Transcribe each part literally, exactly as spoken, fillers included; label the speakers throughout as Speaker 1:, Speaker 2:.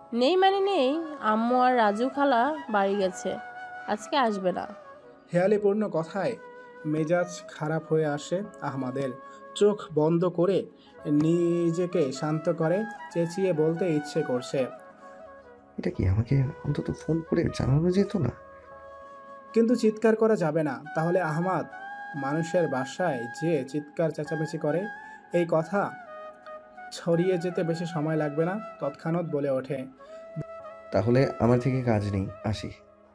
Speaker 1: নেই মানে নেই, আম্মু আর রাজু খালা বাড়ি গেছে, আজকে আসবে না।
Speaker 2: হেয়ালিপূর্ণ কথায় মেজাজ খারাপ হয়ে আসে আহমাদের। চোখ বন্ধ করে নিজেকে শান্ত করে চেঁচিয়ে বলতে ইচ্ছে করছে,
Speaker 3: এটা কি আমাকে অন্তত ফোন করে জানানো যেত না?
Speaker 2: কিন্তু চিৎকার করা যাবে না, তাহলে আহমাদ মানুষের বাসায় যে চিৎকার চেঁচামেচি করে, এই কথা ছড়িয়ে যেতে বেশি সময় লাগবে না। তৎক্ষণাৎ বলে ওঠে,
Speaker 3: তাহলে আমার থেকে কাজ নেই, আসি।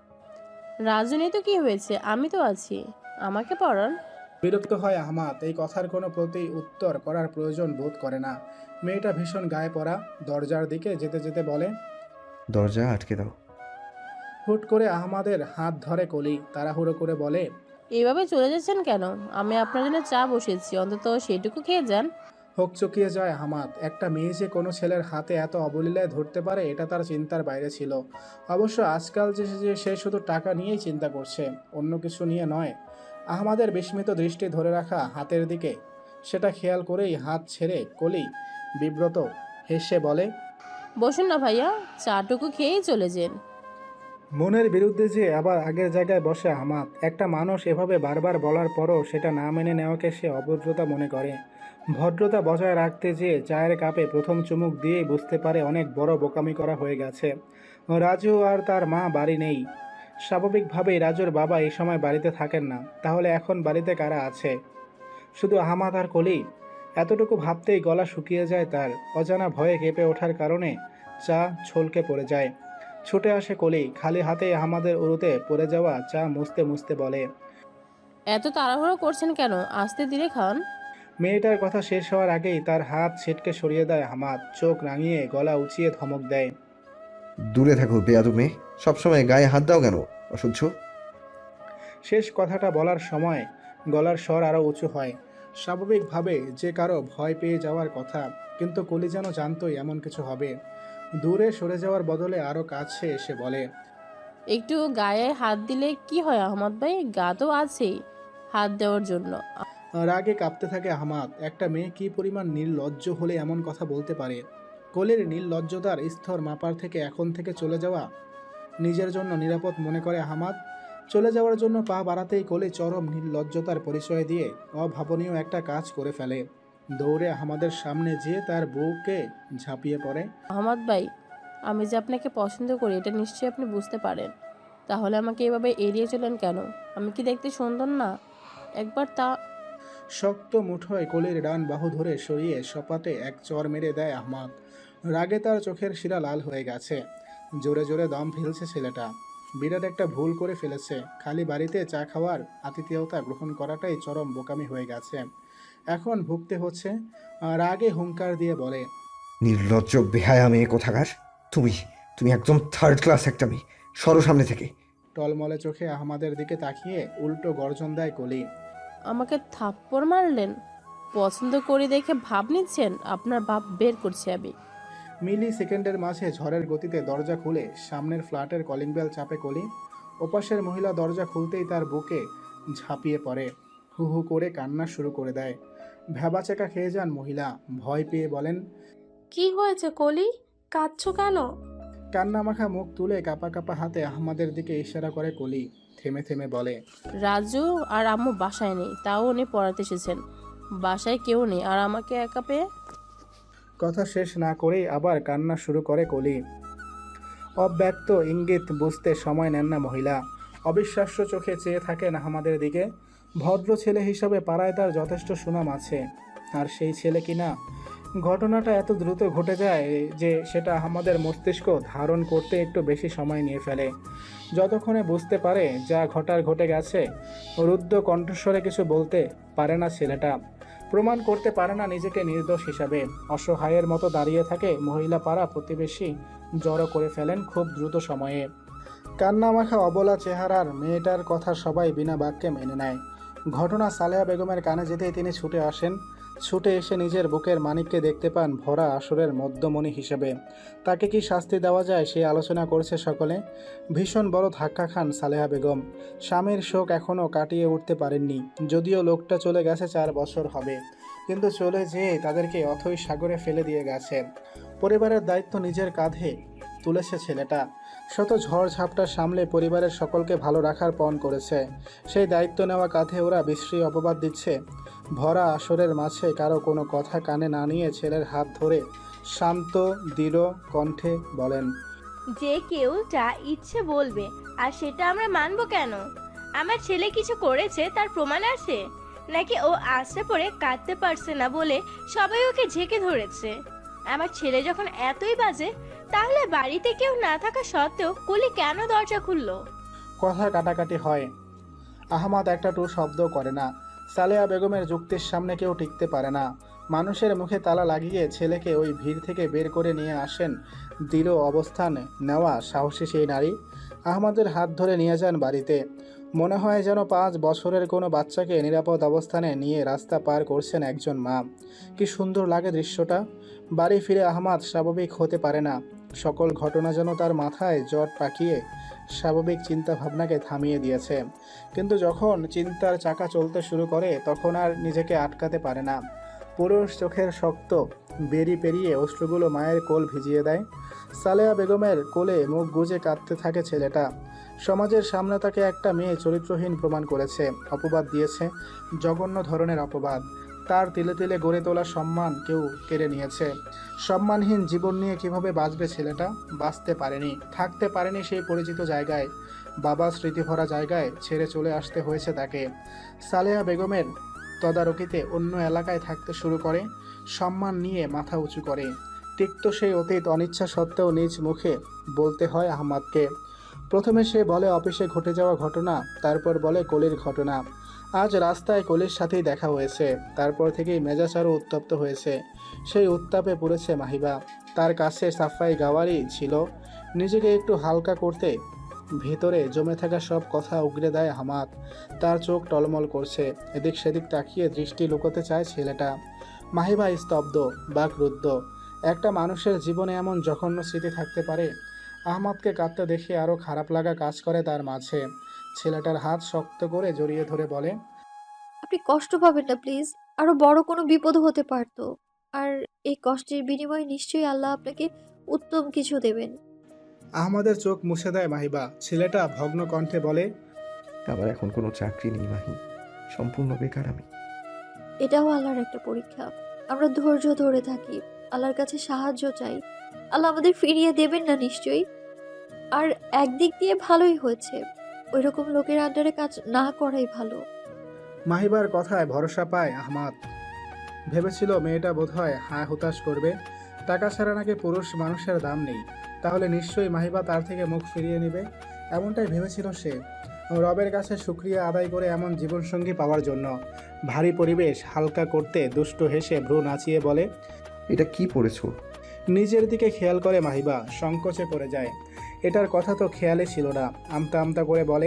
Speaker 1: রাজু নেই তো কি হয়েছে, আমি তো আছি, আমাকে পড়ান।
Speaker 2: বিরক্ত হয় আহমাদ। এই কথার কোনো প্রতি উত্তর করার প্রয়োজন বোধ করে না। মেয়েটা ভীষণ গায়ে পড়া। দরজার দিকে যেতে যেতে বলে,
Speaker 3: দরজা আটকে দাও।
Speaker 2: হুট করে আহমাদের হাত ধরে কলি তাড়াহুড়ো করে বলে,
Speaker 1: এইভাবে চলে যাচ্ছেন কেন? আমি আপনার জন্য চা বসেছি, অন্তত সেটুকু খেয়ে যান।
Speaker 2: হোক চকিয়ে যায় আহমাদ। একটা মেয়ে যে কোনো ছেলের হাতে এত অবলীলায় ধরতে পারে এটা তার চিন্তার বাইরে ছিল। অবশ্য আজকাল যে যে সে শুধু টাকা নিয়েই চিন্তা করছে, অন্য কিছু নিয়ে নয়। আহমাদের বিস্মিত দৃষ্টি ধরে রাখা হাতের দিকে, সেটা খেয়াল করেই হাত ছেড়ে কলি বিব্রত হেসে বলে,
Speaker 1: বসুন না ভাইয়া, চাটুকু খেয়েই চলে যান।
Speaker 2: মনের বিরুদ্ধে যে আবার আগের জায়গায় বসে আহমাদ। একটা মানুষ এভাবে বারবার বলার পরও সেটা না মেনে নেওয়াকে সে অভদ্রতা মনে করে। ভদ্রতা বজায় রাখতে যেয়ে চায়ের কাপে প্রথম চুমুক দিয়েই বুঝতে পারে অনেক বড় বোকামি করা হয়ে গেছে। রাজু আর তার মা বাড়ি নেই। স্বাভাবিকভাবেই রাজুর বাবা এই সময় বাড়িতে থাকেন না। তাহলে এখন বাড়িতে কারা আছে? শুধু আহমাদ আর কলি। এতটুকু ভাবতেই গলা শুকিয়ে যায় তার। অজানা ভয়ে কেঁপে ওঠার কারণে চা ছলকে পড়ে যায়। ছুটে আসে কলি, খালি হাতে আহমাদের উরুতে পড়ে যাওয়া চা মুছতে মুছতে বলে,
Speaker 1: এত তাড়াহুড়ো করছেন কেন, আস্তে ধীরে খান।
Speaker 2: মেয়েটার কথা শেষ হওয়ার আগেই তার হাত ছিটকে সরিয়ে দেয় আহমাদ। চোখ রাঙিয়ে গলা উঁচিয়ে ধমক দেয়,
Speaker 3: দূরে থাকো বেয়াদু মেয়ে, সবসময় গায়ে হাত দাও কেন? অসহ্য।
Speaker 2: শেষ কথাটা বলার সময় গলার স্বর আরও উঁচু হয়। স্বাভাবিকভাবে যে কারো ভয় পেয়ে যাওয়ার কথা, কিন্তু কলি যেন জানতোই এমন কিছু হবে। দূরে সরে যাওয়ার বদলে আরও কাছে এসে বলে,
Speaker 1: একটু গায়ে হাত দিলে কি হয় আহমদ ভাই, গা তো আছেই হাত দেওয়ার জন্য।
Speaker 2: রাগে কাঁপতে থাকে আহমাদ। একটা মেয়ে কি পরিমাণ নির্লজ্জ হলে এমন কথা বলতে পারে? কলির নির্লজ্জতার স্তর মাপার থেকে এখন থেকে চলে যাওয়া নিজের জন্য নিরাপদ মনে করে আহমাদ। চলে যাওয়ার জন্য পা বাড়াতেই কলি চরম নির্লজ্জতার পরিচয় দিয়ে অভাবনীয় একটা কাজ করে ফেলে। দৌড়ে আহমাদের সামনে যেয়ে তার বউকে ঝাঁপিয়ে পড়ে।
Speaker 1: আহমদ ভাই, আমি যে আপনাকে পছন্দ করি এটা নিশ্চয়ই আপনি বুঝতে পারেন, তাহলে আমাকে এভাবে এড়িয়ে চলেন কেন? আমি কি দেখতে সুন্দর না? একবার তা।
Speaker 2: শক্ত মুঠোয় কলির ডান বাহু ধরে সরিয়ে সপাটে এক চর মেরে দেয় আহমাদ। রাগে তার চোখের শিরা লাল হয়ে গেছে। জোরে জোরে দম ফেলছে ছেলেটা। বিরাট একটা ভুল করে ফেলেছে। খালি বাড়িতে চা খাওয়ার আতিথেয়তা গ্রহণ করাটাই চরম বোকামি হয়ে গেছে। এখন ভুগতে হচ্ছে। রাগে হুঙ্কার দিয়ে বলে,
Speaker 3: নির্লজ্জ বেহায়া মেয়ে কোথাকার! তুমি তুমি একদম থার্ড ক্লাস একটা মেয়ে। সরো সামনে থেকে।
Speaker 2: টলমলে চোখে আহমাদের দিকে তাকিয়ে উল্টো গর্জন দেয় কলি।
Speaker 1: আমাকে থাপ্পড় মারলেন? পছন্দ করি দেখে ভাব নিচ্ছেন? আপনার ভাব বের করছি আমি।
Speaker 2: মিলি সেকেন্ডের মাঝে ঝড়ের গতিতে দরজা খুলে সামনের ফ্ল্যাটের কলিং বেল চাপে কলি। ওপাশের মহিলা দরজা খুলতেই তার বুকে ঝাঁপিয়ে পড়ে। হু হু করে কান্না শুরু করে দেয়। ভ্যাবাচেকা খেয়ে যান মহিলা। ভয় পেয়ে বলেন,
Speaker 4: কি হয়েছে কলি, কাঁদছো কেন?
Speaker 2: কান্না মাখা মুখ তুলে কাপা কাপা হাতে আহমাদের দিকে ইশারা করে কলি। থেমে থেমে বলে,
Speaker 1: রাজু আর আম্মু বাসায় নেই, তাও উনি পড়াতে এসেছেন। বাসায় কেউ নেই আর আমাকে একা পেয়ে।
Speaker 2: কথা শেষ না করেই আবার কান্না শুরু করে কলি। অব্যক্ত ইঙ্গিত বুঝতে সময় নেন না মহিলা। অবিশ্বাস্য চোখে চেয়ে থাকেন আহমাদের দিকে। ভদ্র ছেলে হিসাবে পাড়ায় তার যথেষ্ট সুনাম আছে, আর সেই ছেলে কিনা। ঘটনাটা এত দ্রুত ঘটে যায় যে সেটা আহমাদের মস্তিষ্ক ধারণ করতে একটু বেশি সময় নিয়ে ফেলে। যতক্ষণে বুঝতে পারে যা ঘটার ঘটে গেছে, রুদ্ধ কণ্ঠস্বরে কিছু বলতে পারে না ছেলেটা। প্রমাণ করতে পারে না নিজেকে নির্দোষ হিসাবে। অসহায়ের মতো দাঁড়িয়ে থাকে মহিলা। পাড়া প্রতিবেশী জড়ো করে ফেলেন খুব দ্রুত সময়ে। কান্নামাখা অবলা চেহারার মেয়েটার কথা সবাই বিনা বাক্যে মেনে নেয়। ঘটনা সালেহা বেগমের কানে যেতেই তিনি ছুটে আসেন। ছুটে এসে নিজের বুকের মানিককে দেখতে পান ভরা আসরের মধ্যমণি হিসেবে। তাকে কি শাস্তি দেওয়া যায় সেই আলোচনা করছে সকলে। ভীষণ বড় ধাক্কা খান সালেহা বেগম। স্বামীর শোক এখনও কাটিয়ে উঠতে পারেননি। যদিও লোকটা চলে গেছে চার বছর হবে, কিন্তু চলে যেয়ে তাদেরকে অথৈ সাগরে ফেলে দিয়ে গেছে। পরিবারের দায়িত্ব নিজের কাঁধে তুলেছে ছেলেটা। শত ঝড় ঝাপটা সামলে পরিবারের সকলকে ভালো রাখার পণ করেছে। সেই দায়িত্ব নেওয়া কাঁধে ওরা বিশ্রী অপবাদ দিচ্ছে। ভরা আসরের মাঝে কারো কোনো কথা কানে না নিয়ে ছেলের হাত ধরে শান্ত দৃঢ় কণ্ঠে বলেন,
Speaker 5: যে কেউ যা ইচ্ছে বলবে, আর সেটা আমরা মানবো কেন? আমার ছেলে কিছু করেছে তার প্রমাণ আছে? নাকি ও আশা পড়ে কাঁদতে পারছে না বলে সবাই ওকে ঝেঁকে ধরেছে? আমার ছেলে যখন এতই বাজে, তাহলে বাড়িতে কেউ না থাকা সত্ত্বেও কলি কেন দরজা খুললো?
Speaker 2: কথা কাটাকাটি হয়। আহমাদ একটা টু শব্দ করে না। সালেহা বেগমের যুক্তির সামনে কেউ টিকতে পারে না। মানুষের মুখে তালা লাগিয়ে ছেলেকে ওই ভিড় থেকে বের করে নিয়ে আসেন দৃঢ় অবস্থান নেওয়া সাহসী সেই নারী। আহমাদের হাত ধরে নিয়ে যান বাড়িতে। মনে হয় যেন পাঁচ বছরের কোনো বাচ্চাকে নিরাপদ অবস্থানে নিয়ে রাস্তা পার করছেন একজন মা। কি সুন্দর লাগে দৃশ্যটা। বাড়ি ফিরে আহমাদ স্বাভাবিক হতে পারে না। সকল ঘটনা যেন তার মাথায় জট পাকিয়ে স্বাভাবিক চিন্তা ভাবনাকে থামিয়ে দিয়েছে। কিন্তু যখন চিন্তার চাকা চলতে শুরু করে তখন আর নিজেকে আটকাতে পারে না। পুরুষ চোখের শক্ত বেরি পেরিয়ে অশ্রুগুলো মায়ের কোল ভিজিয়ে দেয়। সালেহা বেগমের কোলে মুখ গুজে কাঁদতে থাকে ছেলেটা। সমাজের সামনে তাকে একটা মেয়ে চরিত্রহীন প্রমাণ করেছে, অপবাদ দিয়েছে, জঘন্য ধরনের অপবাদ। তার তিলে তিলে গড়ে তোলা সম্মান কেউ কেড়ে নিয়েছে। সম্মানহীন জীবন নিয়ে কিভাবে বাঁচবে ছেলেটা? বাঁচতে পারেনি, থাকতে পারেনি সেই পরিচিত জায়গায়। বাবা স্মৃতিভরা জায়গায় ছেড়ে চলে আসতে হয়েছে তাকে। সালেহা বেগমের তদারকিতে অন্য এলাকায় থাকতে শুরু করে, সম্মান নিয়ে মাথা উঁচু করে। তিক্ত সেই অতীত অনিচ্ছা সত্ত্বেও নিজ মুখে বলতে হয় আহমাদকে। প্রথমে সে বলে অফিসে ঘটে যাওয়া ঘটনা, তারপর বলে কলির ঘটনা। আজ রাস্তায় কলির সাথেই দেখা হয়েছে। তারপর থেকেই মেজাজ আরও উত্তপ্ত হয়েছে। সেই উত্তাপে পড়েছে মাহিবা। তার কাছে সাফাই গাওয়ারই ছিল নিজেকে একটু হালকা করতে। ভেতরে জমে থাকা সব কথা উগরে দেয় আহমাদ। তার চোখ টলমল করছে। এদিক সেদিক তাকিয়ে দৃষ্টি লুকোতে চায় ছেলেটা। মাহিবা স্তব্ধ, বাকরুদ্ধ। একটা মানুষের জীবনে এমন জঘন্য স্মৃতি থাকতে পারে? আহমাদকে কাঁদতে দেখে আরও খারাপ লাগা কাজ করে তার মাঝে। ছেলেটার হাত শক্ত করে জড়িয়ে ধরে বলে,
Speaker 6: আপনি কষ্ট পাবেন না প্লিজ। আরো বড় কোনো বিপদ হতে পারতো। আর এই কষ্টের বিনিময়ে নিশ্চয়ই আল্লাহ আপনাকে উত্তম কিছু দেবেন।
Speaker 2: আহমাদের চোখ মুছে দেয় মাহিবা। ছেলেটা ভগ্ন কণ্ঠে বলে,
Speaker 3: আমার এখন কোনো চাকরি নেই মাহি, সম্পূর্ণ বেকার আমি।
Speaker 6: এটাও আল্লাহর একটা পরীক্ষা। আমরা ধৈর্য ধরে থাকি, আল্লাহর কাছে সাহায্য চাই। আল্লাহ আমাদের ফিরিয়ে দেবেন না নিশ্চয়ই। আর একদিক দিয়ে ভালোই হয়েছে, ওই রকম লোকের আন্ডারে কাজ না করাই ভালো।
Speaker 2: মাহিবার কথায় ভরসা পায় আহমাদ। ভেবেছিল মেয়েটা বোধহয় হায় হুতাশ করবে। টাকা ছাড়া নাকি পুরুষ মানুষের দাম নেই, তাহলে নিশ্চয়ই মাহিবা তার থেকে মুখ ফিরিয়ে নেবে, এমনটাই ভেবেছিল সে। রবের কাছে শুকরিয়া আদায় করে এমন জীবনসঙ্গী পাওয়ার জন্য। ভারী পরিবেশ হালকা করতে দুষ্ট হেসে ভ্রু নাচিয়ে বলে,
Speaker 3: এটা কি পড়েছো?
Speaker 2: নিজের দিকে খেয়াল করে মাহিবা সংকোচে পড়ে যায়। এটার কথা তো খেয়ালই ছিল না। আমতা আমতা করে বলে,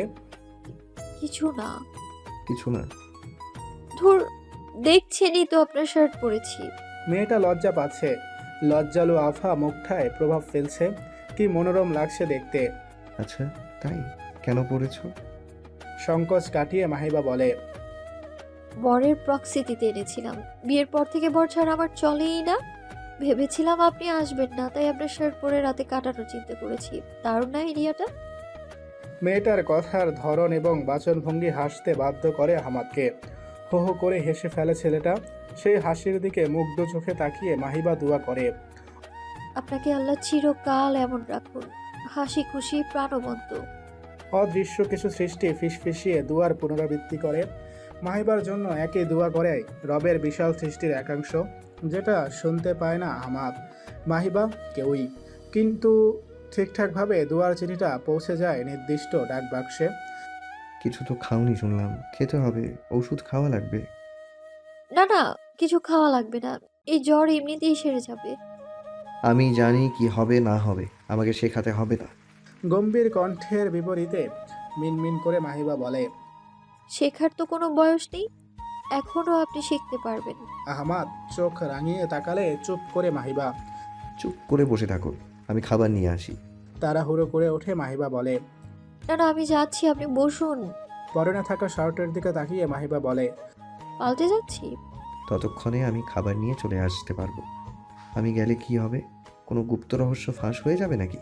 Speaker 6: কিছু না।
Speaker 3: কিছু না?
Speaker 6: ধুর, দেখছেনই তো আপনার শার্ট পরেছি।
Speaker 2: মেয়েটা লজ্জা পাচ্ছে। লজ্জালু আফা মুখটায় প্রভাব ফেলছে। কি মনোরম লাগছে দেখতে।
Speaker 3: আচ্ছা তাই, কেন পড়েছো?
Speaker 2: সংকোচ কাটিয়ে মাহিবা বলে,
Speaker 6: বরের প্রক্সিতিতে এনেছিলাম। বিয়ের পর থেকে বর ছাড়া আমার চলেই না। ভেবেছিলাম আপনি আসবেন না, তাই আপনার শার্ট পরে রাতে কাটানোর চিন্তা করেছি। দারুণ না এরিয়াটা?
Speaker 2: মেয়েটার কথার ধরন এবং বাচনভঙ্গি হাসতে বাধ্য করে আহমাদকে। হো হো করে হেসে ফেলে ছেলেটা। সেই হাসির দিকে মুগ্ধ চোখে তাকিয়ে মাহিবা দোয়া করে,
Speaker 6: আপনাকে আল্লাহ চিরকাল এমন রাখুন, হাসি খুশি প্রাণবন্ত।
Speaker 2: অদৃশ্য কিছু সৃষ্টি ফিসফিসিয়ে দুয়ার পুনরাবৃত্তি করে। মাহিবার জন্য একই দোয়া করে রবের বিশাল সৃষ্টির একাংশ, যেটা শুনতে পায় না আহমাদ, মাহিবা, কেউই। কিন্তু ঠিকঠাকভাবে দুয়ার চিঠিটা পৌঁছে যায় নির্দিষ্ট ডাক বাক্সে।
Speaker 3: কিছু তো খাওনি শুনলাম, খেতে হবে, ওষুধ খাওয়া লাগবে।
Speaker 6: না না, কিছু খাওয়া লাগবে না, এই জ্বর এমনিতেই সেরে যাবে।
Speaker 3: আমি জানি কি হবে না হবে, আমাকে শেখাতে হবে না।
Speaker 2: গম্ভীর কণ্ঠের বিপরীতে মিনমিন করে মাহিবা বলে,
Speaker 6: শেখার তো কোনো বয়স নেই, এখনো আপনি শিখতে পারবেন।
Speaker 2: আহমাদ চোখ রাঙিয়ে তাকালে চুপ করে মাহিবা।
Speaker 3: চুপ করে বসে থাকো, আমি খাবার নিয়ে আসি।
Speaker 2: তাড়াহুড়ো করে ওঠে মাহিবা বলে,
Speaker 6: না না, আমি যাচ্ছি, আপনি বসুন।
Speaker 2: পরনে থাকা শার্টের দিকে তাকিয়ে মাহিবা বলে,
Speaker 6: পাল্টে যাচ্ছি।
Speaker 3: ততক্ষণে আমি খাবার নিয়ে চলে আসতে পারবো। আমি গেলে কি হবে? কোনো গুপ্ত রহস্য ফাঁস হয়ে যাবে নাকি?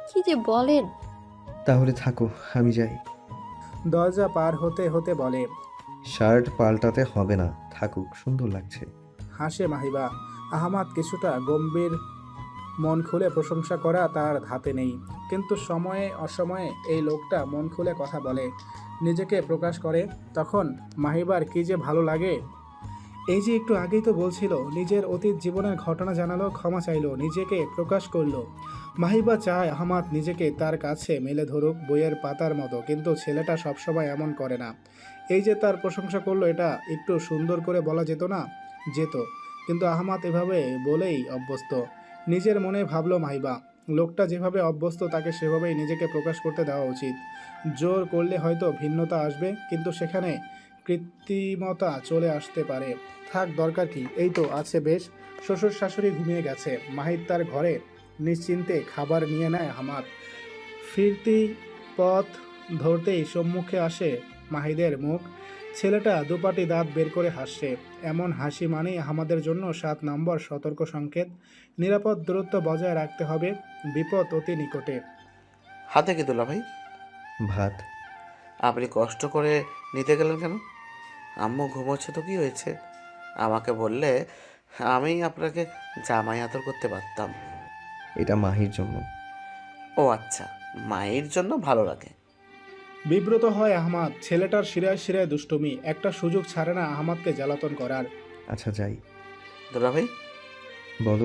Speaker 6: কি যে বলেন।
Speaker 3: তাহলে থাকো, আমি যাই।
Speaker 2: দরজা পার হতে হতে বলে।
Speaker 3: শার্ট পাল্টাতে হবে না, থাকুক, সুন্দর লাগছে।
Speaker 2: হাসে মাহিবা। আহমাদ কিছুটা গম্ভীর। মন খুলে প্রশংসা করা তার ধাতে নেই, কিন্তু সময়ে অসময়ে এই লোকটা মন খুলে কথা বলে, নিজেকে প্রকাশ করে। তখন মাহিবার কি যে ভালো লাগে। এই যে একটু আগেই তো বলছিল, নিজের অতীত জীবনের ঘটনা জানালো, ক্ষমা চাইলো, নিজেকে প্রকাশ করলো। মাহিবা চায় আহমাদ নিজেকে তার কাছে মেলে ধরুক বইয়ের পাতার মতো, কিন্তু ছেলেটা সবসময় এমন করে না। এই যে তার প্রশংসা করলো, এটা একটু সুন্দর করে বলা যেত না? যেত, কিন্তু আহমাদ এভাবে বলেই অভ্যস্ত। নিজের মনে ভাবলো মাহিবা, লোকটা যেভাবে অভ্যস্ত তাকে সেভাবেই নিজেকে প্রকাশ করতে দেওয়া উচিত। জোর করলে হয়তো ভিন্নতা আসবে, কিন্তু সেখানে কৃত্রিমতা চলে আসতে পারে। থাক, দরকার কি, এই তো আছে বেশ। শ্বশুর শাশুড়ি ঘুমিয়ে গেছে, মাহির তার ঘরে নিশ্চিন্তে খাবার নিয়ে নেয় আহমাদ। ফিরতি পথ ধরতেই সম্মুখে আসে মাহিদের মুখ। ছেলেটা দুপাটি দাঁত বের করে হাসছে। এমন হাসি মানেই আমাদের জন্য সাত নম্বর সতর্ক সংকেত। নিরাপদ দূরত্ব বজায় রাখতে হবে, বিপদ অতি নিকটে।
Speaker 7: হাতে কি দুলা ভাই?
Speaker 3: ভাত।
Speaker 7: আপনি কষ্ট করে নিতে গেলেন কেন? আম্মু ঘুমোচ্ছে তো কি হয়েছে? আমাকে বললে আমি আপনাকে জামাই আদর করতে পারতাম।
Speaker 3: এটা মাহির জন্য।
Speaker 7: ও আচ্ছা, মায়ের জন্য ভালো লাগে।
Speaker 2: বিব্রত হয় আহমাদ। ছেলেটার শিরায় শিরায় দুষ্টুমি, একটা সুযোগ ছাড়ে না আহমাদকে জ্বালাতন করার।
Speaker 3: আচ্ছা যাই।
Speaker 7: দুলা ভাই,
Speaker 3: বলো।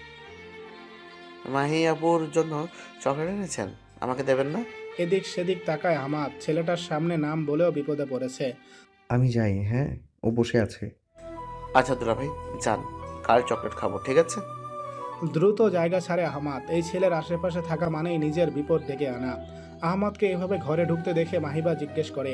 Speaker 7: মাহি আপুর জন্য চকলেট এনেছেন, আমাকে দেবেন না?
Speaker 2: এদিক সেদিক তাকায় আহমাদ। ছেলেটার সামনে নাম বলেও বিপদে পড়েছে।
Speaker 3: আমি যাই, হ্যাঁ, ও বসে আছে।
Speaker 7: আচ্ছা দুলা ভাই যান, কাল চকলেট খাবো, ঠিক আছে?
Speaker 2: দ্রুত জায়গা ছাড়ে আহমাদ। এই ছেলের আশেপাশে থাকা মানেই নিজের বিপদ ডেকে আনা। আহমাদকে এভাবে ঘরে ঢুকতে দেখে মাহিবা জিজ্ঞেস করে।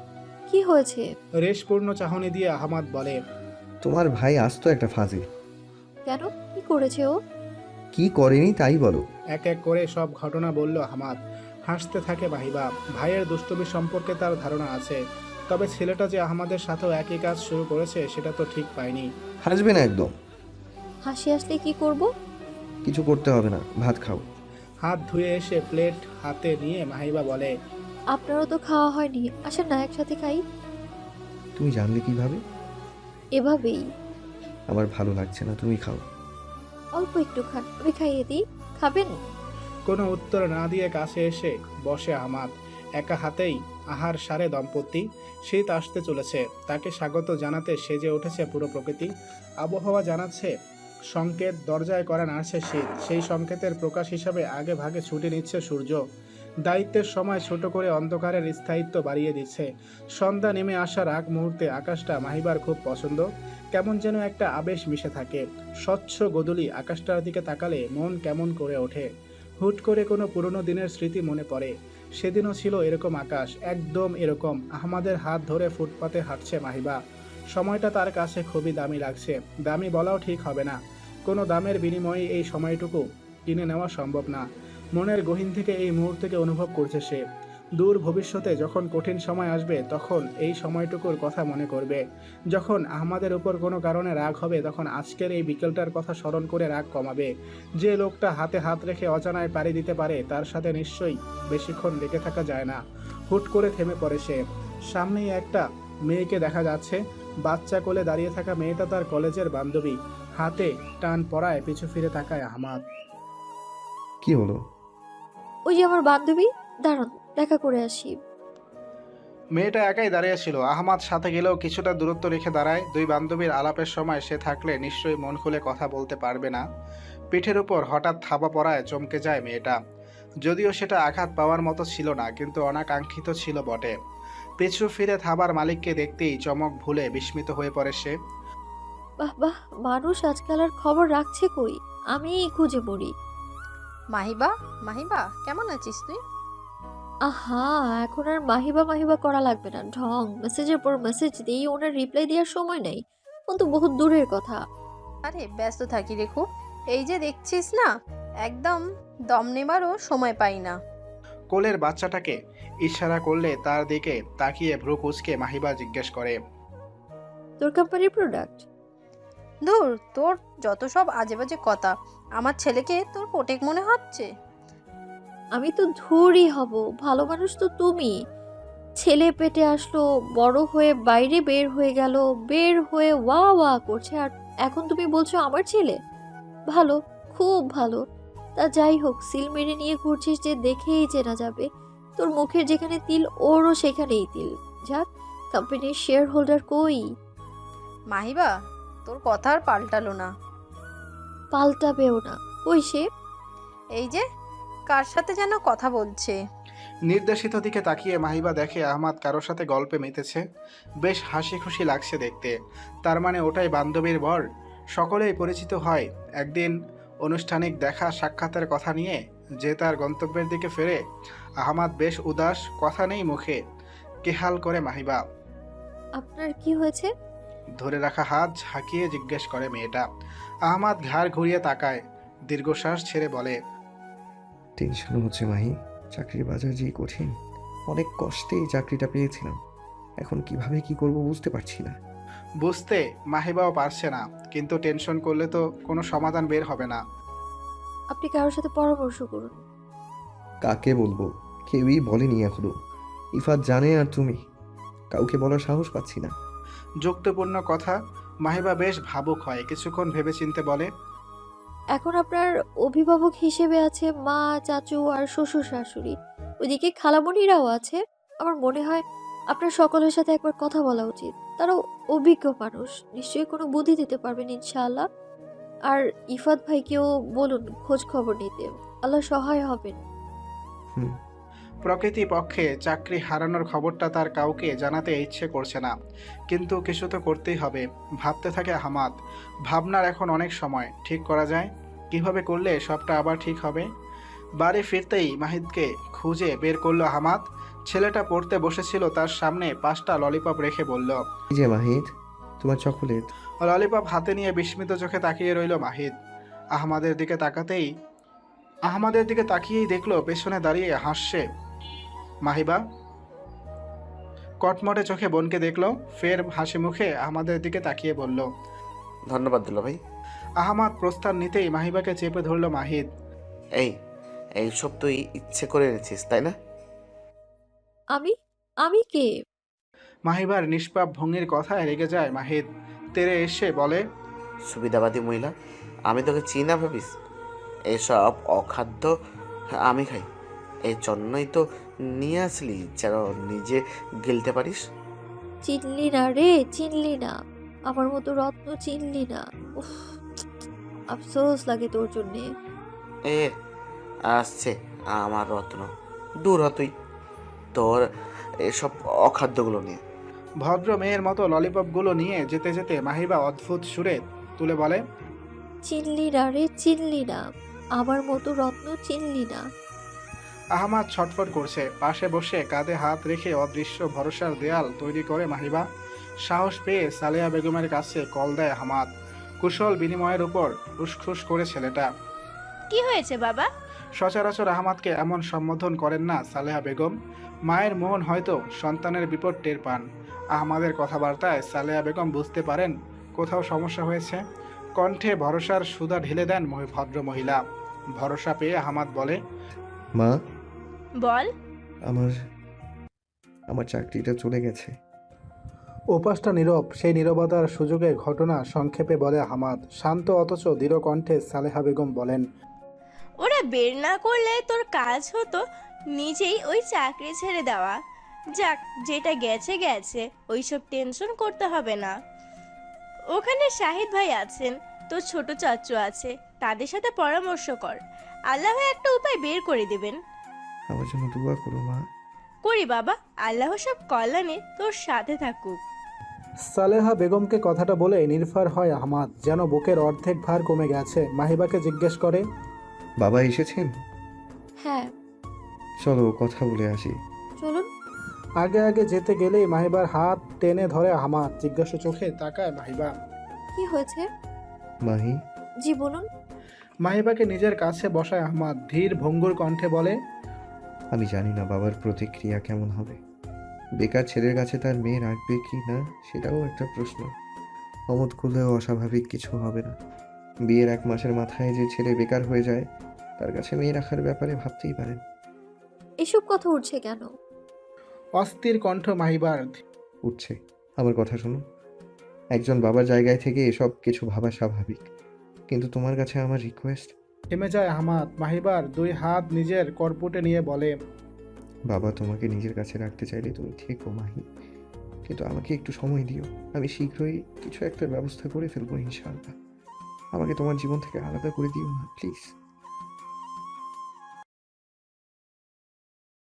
Speaker 6: কি হয়েছে?
Speaker 2: রেশপূর্ণ চাহনি দিয়ে আহমাদ বলে,
Speaker 3: তোমার ভাই আসতো একটা ফাজিল।
Speaker 6: কেন? কি করেছে ও?
Speaker 3: কি করেনি তাই বলো।
Speaker 2: এক এক করে সব ঘটনা বলল আহমাদ। হাসতে থাকে মাহিবা। ভাইয়ের দুষ্টুমি সম্পর্কে তার ধারণা আছে, তবে ছেলেটা যে আহমাদের সাথেও একই কাজ শুরু করেছে সেটা তো ঠিক পায়নি।
Speaker 3: হাসবে না একদম।
Speaker 6: হাসি আসলে কি করব?
Speaker 3: কিছু করতে হবে না, ভাত খাও।
Speaker 2: হাত ধুয়ে এসে প্লেট হাতে নিয়ে মাহিবা বলে,
Speaker 6: আপনারও তো খাওয়া হয়নি, আসেন না একসাথে খাই।
Speaker 3: তুমি জানলে কিভাবে?
Speaker 6: এভাবেই।
Speaker 3: আমার ভালো লাগছে না, তুমি খাও।
Speaker 6: অল্প একটু খান, আমি খাইয়ে দিই। খাবেন?
Speaker 2: কোনো উত্তর না দিয়ে কাছে এসে বসে আহমাদ। একা হাতেই আহার সারে দম্পতি। শীত আসতে চলেছে, তাকে স্বাগত জানাতে সেজে উঠেছে পুরো প্রকৃতি। আবহাওয়া জানাচ্ছে সংকেত, দরজায় করা নাড়ছে শীত। সেই সংকেতের প্রকাশ হিসাবে আগে ভাগে ছুটে নিচ্ছে সূর্য। দায়িত্বের সময় ছোট করে অন্ধকারের স্থায়িত্ব বাড়িয়ে দিচ্ছে। সন্ধ্যা নেমে আসার আগ মুহূর্তে আকাশটা মাহিবার খুব পছন্দ। কেমন যেন একটা আবেশ মিশে থাকে। স্বচ্ছ গোধূলি আকাশটার দিকে তাকালে মন কেমন করে ওঠে। হুট করে কোনো পুরনো দিনের স্মৃতি মনে পড়ে। সেদিনও ছিল এরকম আকাশ, একদম এরকম। আহমাদের হাত ধরে ফুটপাতে হাঁটছে মাহিবা। সময়টা তার কাছে খুবই দামি লাগছে। দামি বলাও ঠিক হবে না, কোনো দামের বিনিময়ে এই সময়টুকু কিনে নেওয়া সম্ভব না। মনের গহীন থেকে এই মুহূর্তকে অনুভব করছে সে। দূর ভবিষ্যতে যখন কঠিন সময় আসবে তখন এই সময়টুকুর কথা মনে করবে। যখন আহমাদের উপর কোনো কারণে রাগ হবে তখন আজকের এই বিকেলটার কথা স্মরণ করে রাগ কমাবে। যে লোকটা হাতে হাত রেখে অজানায় পাড়ি দিতে পারে তার সাথে নিশ্চয়ই বেশিক্ষণ লেগে থাকা যায় না। হুট করে থেমে পড়ে সে। সামনেই একটা মেয়েকে দেখা যাচ্ছে। বাচ্চা কোলে দাঁড়িয়ে থাকা মেয়েটা তার কলেজের বান্ধবী। হাতে টান পড়ায় পিছু ফিরে তাকায় আহমাদ।
Speaker 3: কি হলো?
Speaker 6: ওই যে আমার বান্ধবী, দাঁড়ান দেখা করে আসি।
Speaker 2: মেয়েটা একাই দাঁড়িয়েছিল। আহমাদ সাথে গেলেও কিছুটা দূরত্ব রেখে দাঁড়ায়। দুই বান্ধবীর আলাপের সময় সে থাকলে নিশ্চয়ই মন খুলে কথা বলতে পারবে না। পিঠের উপর হঠাৎ থাবা পড়ায় চমকে যায় মেয়েটা। যদিও সেটা আঘাত পাওয়ার মতো ছিল না, কিন্তু অনাকাঙ্ক্ষিত ছিল বটে। পিছু ফিরে থাবার মালিককে দেখতেই চমক ভুলে বিস্মিত হয়ে পড়ে সে।
Speaker 6: বাহ বাহ, মানুষ আজকাল আর খবর রাখছে কই, আমি খুঁজে পড়ি।
Speaker 4: মাহিবা, মাহিবা কেমন আছিস তুই?
Speaker 6: আহা, এখন আর মাহিবা মাহিবা করা লাগবে না। ঢং, মেসেজের পর মেসেজ দিই, ওনার রিপ্লাই দেওয়ার সময় নেই। ও তো বহুত দূরের কথা।
Speaker 4: আরে ব্যস্ত থাকি রে খুব, এই যে দেখছিস না, একদম দম নেবারও সময় পাই না।
Speaker 2: কোলের বাচ্চাটাকে ইশারা করলে তার দিকে তাকিয়ে ভ্রু কুঁচকে মাহিবা জিজ্ঞেস করে,
Speaker 6: তোর কোম্পানির প্রোডাক্ট?
Speaker 4: ধুর, তোর যত সব আজে বাজে কথা। আমার ছেলেকে তোর পোটেক মনে হচ্ছে?
Speaker 6: আমি তো ধুরই হব, ভালো মানুষ তো তুমি। ছেলে পেটে আসলো, বড় হয়ে বাইরে বের হয়ে গেল, বের হয়ে ওয়া ওয়া করছে, আর এখন তুমি বলছো আমার ছেলে ভালো, খুব ভালো। তা যাই হোক, সিল মেরে নিয়ে ঘুরছিস যে দেখেই চেনা যাবে। তোর মুখের যেখানে তিল ওরও সেখানেই তিল। যাক, কোম্পানির শেয়ার হোল্ডার কই?
Speaker 4: মাহিবা, তোর কথা আর পাল্টালো না।
Speaker 6: পাল্টাবেও না। কই সে?
Speaker 4: এই যে কার সাথে যেন কথা বলছে।
Speaker 2: নির্দেশিত দিকে তাকিয়ে মাহিবা দেখে আহমাদ কারোর সাথে গল্পে মেতেছে। বেশ হাসি খুশি লাগছে দেখতে। তার মানে ওটাই বান্ধবীর বর। সকলেই পরিচিত হয়। একদিন আনুষ্ঠানিক দেখা সাক্ষাতের কথা নিয়ে যে তার গন্তব্যের দিকে ফেরে। আহমাদ বেশ উদাস, কথা নেই মুখে। কেহাল করে মাহিবা।
Speaker 6: আপনার কি হয়েছে?
Speaker 2: ধরে রাখা হাত ঝাঁকিয়ে জিজ্ঞেস করে মেয়েটা। আহমাদ ঘাড় ঘুরিয়ে তাকায়, দীর্ঘশ্বাস ছেড়ে বলে,
Speaker 3: টেনশন হচ্ছে মাহি, চাকরির বাজার যেই কঠিন। অনেক কষ্টে এই চাকরিটা পেয়েছিলাম, এখন কিভাবে কি করব বুঝতে পারছি না।
Speaker 2: বুঝতে মাহিবাও পারছে না, কিন্তু টেনশন করলে তো কোনো সমাধান বের হবে না।
Speaker 6: আপনি কারোর সাথে পরামর্শ করুন।
Speaker 3: কাকে বলবো? কেউই বলেনি এখনো। ইফাত জানে আর তুমি। কাউকে বলার সাহস পাচ্ছি না।
Speaker 2: যুক্তিপূর্ণ কথা। মাহিবা বেশ ভাবুক হয়, কিছুক্ষণ ভেবেচিন্তে বলে,
Speaker 6: এখন আপনার অভিভাবক হিসেবে আছে মা, চাচু আর শ্বশুর শাশুড়ি। ওইদিকে খালামণিরাও আছে। আমার মনে হয় আপনার সকলের সাথে একবার কথা বলা উচিত। তারাও অভিজ্ঞ মানুষ, নিশ্চয়ই কোনো বুদ্ধি দিতে পারবেন ইনশাআল্লাহ। আর ইফাত ভাইকেও বলুন খোঁজ খবর নিতে, আল্লাহ সহায় হবেন।
Speaker 3: হুম।
Speaker 2: প্রকৃতি পক্ষে চাকরি হারানোর খবরটা তার কাউকে জানাতে ইচ্ছে করছে না, কিন্তু কিছু তো করতেই হবে। ভাবতে থাকে আহমাদ। ভাবনার এখন অনেক সময়, ঠিক করা যায় কিভাবে করলে সবটা আবার ঠিক হবে। বাড়ি ফিরতেই মাহিদকে খুঁজে বের করলো আহমাদ। ছেলেটা পড়তে বসেছিল, তার সামনে পাঁচটা ললিপপ রেখে বলল,
Speaker 3: এই যে মাহিদ, তোমার চকোলেট।
Speaker 2: ললিপপ হাতে নিয়ে বিস্মিত চোখে তাকিয়ে রইল মাহিদ। আহমাদের দিকে তাকাতেই আহমাদের দিকে তাকিয়েই দেখলো পেছনে দাঁড়িয়ে হাসছে মাহিবা। কটমটে চোখে বোনকে দেখলো, ফের হাসি মুখে আহমাদের দিকে তাকিয়ে বলল,
Speaker 7: ধন্যবাদ দুলা ভাই।
Speaker 2: আহমাদ প্রস্থান নিতেই মাহিবাকে চেপে ধরল মাহিদ।
Speaker 7: এই এইসব তুই ইচ্ছে করে এনেছিস তাই না?
Speaker 6: আমি আমি কে?
Speaker 2: মাহিবার নিষ্পাপ ভঙ্গির কথায় রেগে যায় মাহিদ। তেরে এসে বলে,
Speaker 7: সুবিধাবাদী মহিলা, আমি তোকে চিনি না ভাবিস? এসব অখাদ্য আমি খাই, এই জন্যই তো নিয়ে আসলি যেন নিজে গিলতে পারিস।
Speaker 6: চিনলি না রে, চিনলি না। আমার মতো রত্ন চিনলি না। উফ, আফসোস লাগে তোর জন্যে।
Speaker 7: এ আসছে আমার রত্ন, দূর হ তুই তোর এসব অখাদ্যগুলো নিয়ে।
Speaker 2: ভদ্র মেয়ের মতো ললিপপগুলো নিয়ে যেতে যেতে মাহিবা অদ্ভুত সুরে তুলে বলে,
Speaker 6: চিনলি না রে, চিনলি না। আমার মতো রত্ন চিনলি না।
Speaker 2: আহমাদ ছটফট করছে। পাশে বসে কাঁধে হাত রেখে অদৃশ্য ভরসার দেয়াল তৈরি করে মাহিবা। সাহস পেয়ে সালেহা বেগমের কাছে কল দেয় আহমাদ। কুশল বিনিময়ের উপর উসখুস করে ছেলেটা।
Speaker 5: কি হয়েছে বাবা?
Speaker 2: সচরাচর আহমাদকে এমন সম্বোধন করেন না সালেহা বেগম। মায়ের মন হয়তো সন্তানের বিপদ টের পান। আহমাদের কথাবার্তায় সালেহা বেগম বুঝতে পারেন কোথাও সমস্যা হয়েছে। কণ্ঠে ভরসার সুধা ঢেলে দেন মহি- ভদ্র মহিলা। ভরসা পেয়ে আহমাদ বলে,
Speaker 3: মা,
Speaker 5: বল।
Speaker 3: আমার আমার চাকরিটা চলে গেছে।
Speaker 2: উপাসটা নীরব। সেই নীরবতার সুযোগে ঘটনা সংক্ষেপে বলে আহমাদ। শান্ত অথচ দৃঢ় কণ্ঠে সালেহা বেগম বলেন,
Speaker 5: ওরা বের না করলে তোর কাজ হতো নিজেই ওই চাকরি ছেড়ে দেওয়া। যাক, যেটা গেছে গেছে, ওইসব টেনশন করতে হবে না। ওখানে শাহিদ ভাই আছেন, তোর ছোট চাচু আছে, তাদের সাথে পরামর্শ কর, আল্লাহ একটা উপায় বের করে দেবেন।
Speaker 3: আমার জন্য দোয়া করো মা।
Speaker 5: করি বাবা, আল্লাহ সব কল্যাণে তোর সাথে থাকুক।
Speaker 2: সালেহা বেগমকে কথাটা বলে নির্ভর হয় আহমাদ, যেন বুকের অর্ধেক ভার কমে গেছে। মাহিবাকে জিজ্ঞেস করে,
Speaker 3: বাবা এসেছেন?
Speaker 6: হ্যাঁ,
Speaker 3: চলো কথা বলে আসি।
Speaker 6: চলুন।
Speaker 2: আগে আগে যেতে গেলেই মাহিবার হাত টেনে ধরে আহমাদ। জিজ্ঞাসা চোখে তাকায় মাহিবা।
Speaker 6: কি হয়েছে?
Speaker 3: মাহি,
Speaker 6: জি বলুন।
Speaker 2: মাহিবাকে নিজের কাছে বসায় আহমাদ। ধীর ভঙ্গুর কণ্ঠে বলে,
Speaker 3: আমি জানি না বাবার প্রতিক্রিয়া কেমন হবে। বেকার ছেলের কাছে তার মেয়ে রাখবে কি না সেটাও একটা প্রশ্ন। অমত করলেও অস্বাভাবিক কিছু হবে না। বিয়ের এক মাসের মাথায় যে ছেলে বেকার হয়ে যায়, তার কাছে মেয়ে রাখার ব্যাপারে ভাবতেই পারেন।
Speaker 6: এসব কথা উঠছে কেন?
Speaker 2: অস্থির কণ্ঠ মাহিবার।
Speaker 3: উঠছে। আমার কথা শোনো, একজন বাবার জায়গায় থেকে এসব কিছু ভাবা স্বাভাবিক, কিন্তু তোমার কাছে আমার রিকোয়েস্ট।
Speaker 2: থেমে যায় আহমাদ। মাহিবার দুই হাত নিজের করপুটে নিয়ে বলে,
Speaker 3: বাবা তোমাকে নিজের কাছে রাখতে চাইলে তুমি থেকো মাহি, কিন্তু আমাকে একটু সময় দিও। আমি শীঘ্রই কিছু একটা ব্যবস্থা করে ফেলবো ইনশাআল্লাহ। আমাকে তোমার জীবন থেকে আলাদা করে দিও না প্লিজ।